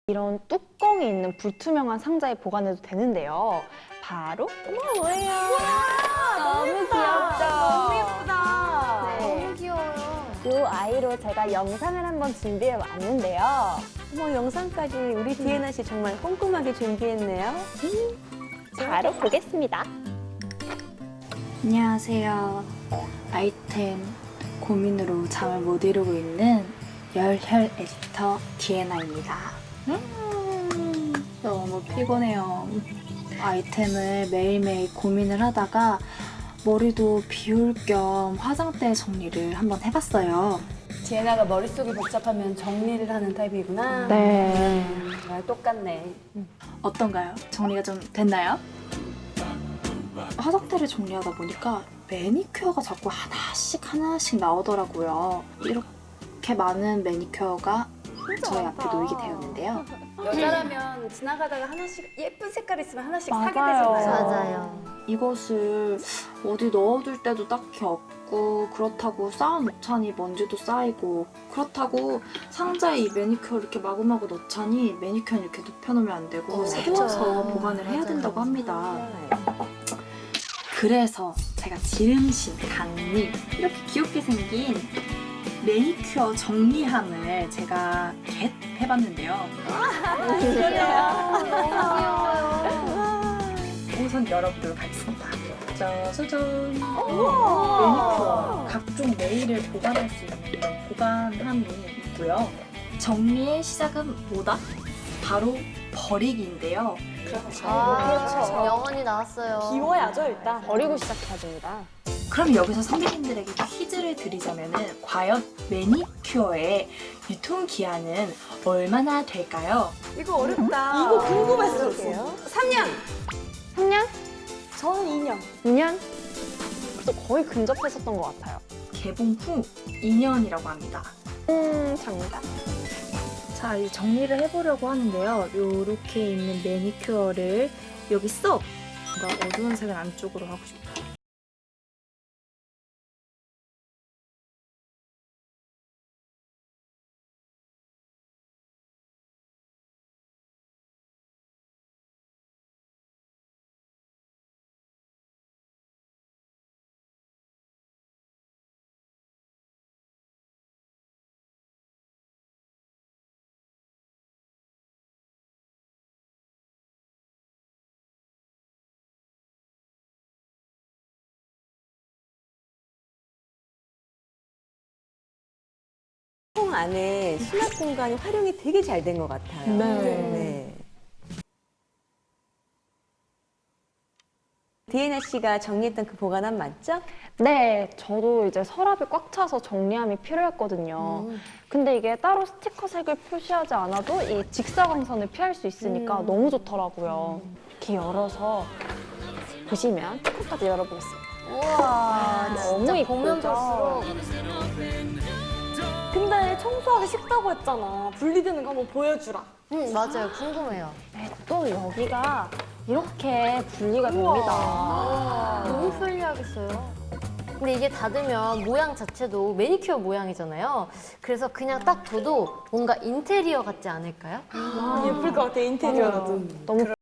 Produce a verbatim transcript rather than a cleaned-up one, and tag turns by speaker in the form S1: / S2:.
S1: 이런 뚜껑이 있는 불투명한 상자에 보관해도 되는데요. 바로 어머 뭐예요? 너무 귀엽죠?
S2: 너무 예쁘다.
S1: 네.
S2: 너무 귀여워요.
S1: 이 아이로 제가 영상을 한번 준비해 왔는데요.
S2: 어머, 영상까지 우리 디에나 씨 정말 꼼꼼하게 준비했네요.
S1: 바로 보겠습니다.
S3: 안녕하세요. 아이템 고민으로 잠을 못 이루고 있는 열혈 에디터 디에나입니다. 음, 너무 피곤해요. 아이템을 매일매일 고민을 하다가 머리도 비울 겸 화장대 정리를 한번 해봤어요.
S2: 디에나가 머릿속이 복잡하면 정리를 하는 타입이구나.
S1: 네.
S2: 정말 똑같네.
S3: 어떤가요? 정리가 좀 됐나요? 화장대를 정리하다 보니까 매니큐어가 자꾸 하나씩 하나씩 나오더라고요. 이렇게 많은 매니큐어가 저희 앞에 놓이게 되었는데요.
S2: 여자라면 지나가다가 하나씩 예쁜 색깔 있으면 하나씩
S1: 맞아요.
S2: 사게 되잖아요.
S1: 맞아요.
S3: 이것을 어디 넣어둘 때도 딱히 없고 그렇다고 쌓아놓자니 먼지도 쌓이고 그렇다고 상자에 이 매니큐어를 이렇게 마구마구 넣자니 매니큐어는 이렇게 눕혀놓으면 안 되고
S2: 어,
S3: 세워서
S2: 그쵸.
S3: 보관을 해야
S2: 맞아요.
S3: 된다고 합니다. 그래서 제가 지름신, 강림 이렇게 귀엽게 생긴 매니큐어 정리함을 제가 겟 해봤는데요.
S2: 너무 귀여워요.
S3: 우선 열어보도록 하겠습니다. 짜자잔! 매니큐어, 각종 네일을 보관할 수 있는 이런 보관함이 있고요. 정리의 시작은 뭐다? 바로 버리기인데요.
S4: 아, 그렇죠. 영원히 나왔어요.
S2: 비워야죠, 일단.
S1: 버리고 시작해야 됩니다.
S3: 그럼 여기서 선배님들에게 퀴즈를 드리자면은 과연 매니큐어의 유통기한은 얼마나 될까요?
S2: 이거 어렵다. 이거 궁금했었어요. 삼 년.
S1: 삼 년?
S2: 저는 이 년.
S1: 이 년? 그래도 거의 근접했었던 것 같아요.
S3: 개봉 후 이 년이라고 합니다.
S1: 음, 정답.
S3: 자, 이제 정리를 해보려고 하는데요. 요렇게 있는 매니큐어를 여기 쏙! 뭔가 어두운 색을 안쪽으로 하고 싶어요.
S2: 통 안에 수납 공간이 활용이 되게 잘 된 것 같아요.
S1: 네.
S2: 네. 디에나 씨가 정리했던 그 보관함 맞죠?
S1: 네, 저도 이제 서랍이 꽉 차서 정리함이 필요했거든요.
S2: 음.
S1: 근데 이게 따로 스티커 색을 표시하지 않아도 이 직사광선을 피할 수 있으니까
S2: 음.
S1: 너무 좋더라고요. 이렇게 열어서 보시면 뚜껑까지 열어보겠습니다.
S4: 우와,
S1: 너무
S4: 진짜
S1: 이쁘죠?
S4: 보면 볼수록.
S5: 근데 청소하기 쉽다고 했잖아. 분리되는 거 한번 보여주라.
S4: 응, 맞아요. 궁금해요.
S1: 네, 또 여기가 이렇게 분리가 됩니다.
S4: 너무 편리하겠어요. 근데 이게 닫으면 모양 자체도 매니큐어 모양이잖아요. 그래서 그냥 딱 둬도 뭔가 인테리어 같지 않을까요?
S5: 예쁠 것 같아, 인테리어라도.
S1: 너무